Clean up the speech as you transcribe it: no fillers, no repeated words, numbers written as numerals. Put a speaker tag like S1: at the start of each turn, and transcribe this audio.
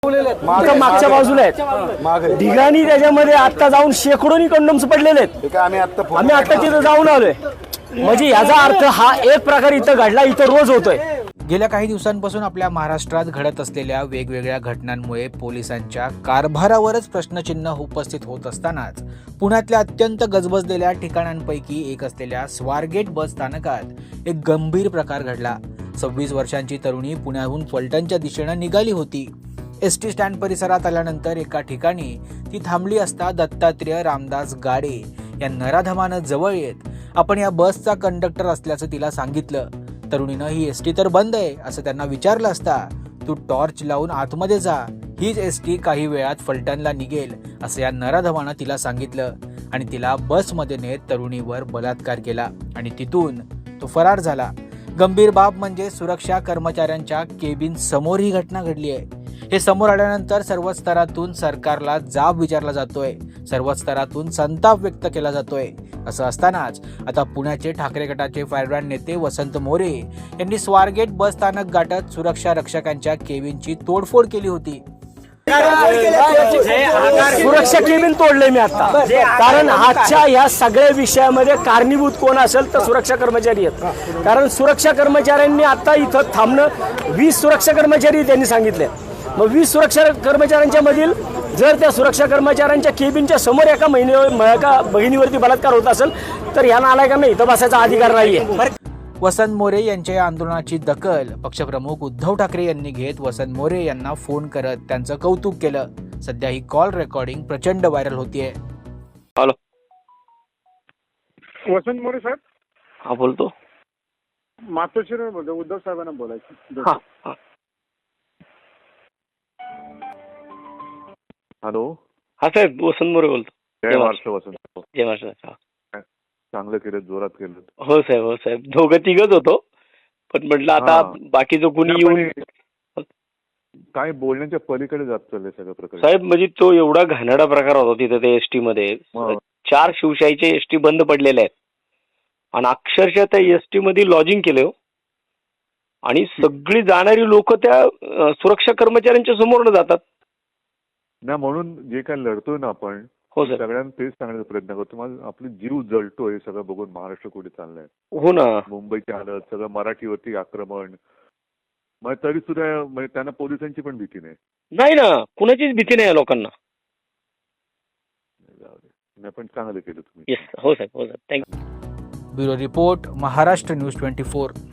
S1: आता मागच्या बाजूला आहेत ढिगाणी, त्याच्यामध्ये आता जाऊन शेकडोनी कंडोम्स पडलेले आहेत. आम्ही आता तिथं जाऊन आलोय. म्हणजे याचा अर्थ हा एक प्रकार इथं घडला, इथं रोज होतोय.
S2: गेल्या काही दिवसांपासून आपल्या महाराष्ट्रात घडत असलेल्या वेगवेगळ्या घटनांमुळे पोलिसांच्या कारभारावरच प्रश्नचिन्ह उपस्थित होत असतानाच पुण्यातल्या अत्यंत गजबजलेल्या ठिकाणांपैकी एक असलेल्या स्वारगेट बस स्थानकात एक गंभीर प्रकार घडला. 26 वर्षांची तरुणी पुण्याहून फलटणच्या दिशेनं निघाली होती. एसटी स्टँड परिसरात आल्यानंतर एका ठिकाणी ती थांबली असता दत्तात्रेय रामदास गाडे या नराधमानं जवळ येत आपण या बसचा कंडक्टर असल्याचं तिला सांगितलं. तरुणीनं ही एसटी तर बंद आहे असं त्यांना विचारलं असता तू टॉर्च लावून आतमध्ये जा, हीच एसटी काही वेळात फलटणला निघेल असं या नराधमानं तिला सांगितलं आणि तिला बसमध्ये नेत तरुणीवर बलात्कार केला आणि तिथून तो फरार झाला. गंभीर बाब म्हणजे सुरक्षा कर्मचाऱ्यांच्या केबिन समोर ही घटना घडली आहे. हे समोर आल्यानंतर सर्व स्तरातून सरकारला जाब विचारला जातोय, सर्व स्तरातून संताप व्यक्त केला जातोय. असं असतानाच आता पुण्याचे ठाकरे गटाचे फायरब्रँड नेते वसंत मोरे यांनी स्वारगेट बस स्थानक गाठत सुरक्षा रक्षकांच्या केबिनची तोडफोड केली होती.
S1: सुरक्षा केबिन तोडले मी आता, कारण आजच्या या सगळ्या विषयामध्ये कारणीभूत कोण असेल तर सुरक्षा कर्मचारी आहेत. कारण सुरक्षा कर्मचाऱ्यांनी आता इथं थांबणं 20 सुरक्षा कर्मचारी त्यांनी सांगितले. मग 20 सुरक्षा कर्मचाऱ्यांच्या मधील जर त्या सुरक्षा कर्मचाऱ्यांच्या केबिनच्या समोर एका बहिणीवरती बलात्कार होत असेल तर या नालायकांना इथं बसायचा अधिकार नाहीये.
S2: वसंत मोरे यांच्या या आंदोलनाची दखल पक्षप्रमुख उद्धव ठाकरे यांनी घेत वसंत मोरे यांना फोन करत त्यांचं कौतुक केलं. सध्या ही कॉल रेकॉर्डिंग प्रचंड व्हायरल होतीये.
S3: हॅलो,
S4: वसंत मोरे साहेब.
S3: हा बोलतो.
S4: मातोश्रीवर बोलतो, उद्धव साहेबांना बोलायचं.
S3: हा हा.
S4: हॅलो.
S3: हा साहेब, वसंत मोरे बोलतो.
S4: जय महाराष्ट्र वसंत.
S3: जय महाराष्ट्र.
S4: चांगलं केलं, जोरात केलं.
S3: हो साहेब, हो साहेब, दोघं तिघच होतो, पण म्हटलं आता बाकीचं कुणी येऊन
S4: काय बोलण्याच्या पलीकडे जात चाललंय सगळं प्रकार
S3: साहेब. म्हणजे तो एवढा घाणेरडा प्रकार होता तिथे ते एसटी मध्ये. 4 शिवशाहीचे एसटी बंद पडलेले आहेत आणि अक्षरशः त्या एसटी मध्ये लॉजिंग केलं आणि सगळी जाणारी लोक त्या सुरक्षा कर्मचाऱ्यांच्या समोर जातात
S4: ना. म्हणून जे काय लढतोय ना आपण,
S3: हो सर,
S4: सगळ्यांना तेच सांगण्याचा प्रयत्न करतो. माझा आपली जीव जळतोय सगळं बघून. महाराष्ट्र कुठे चाललंय.
S3: हो ना.
S4: मुंबईची हालत, सगळं मराठीवरती आक्रमण. मग तरी सुद्धा म्हणजे त्यांना पोलिसांची पण भीती नाही.
S3: नाही ना, कुणाचीच भीती नाही या लोकांना.
S4: नाही, पण चांगलं केलं तुम्ही.
S3: येस, हो साहेब, हो साहेब, thank you.
S2: Bureau report, Maharashtra news 24.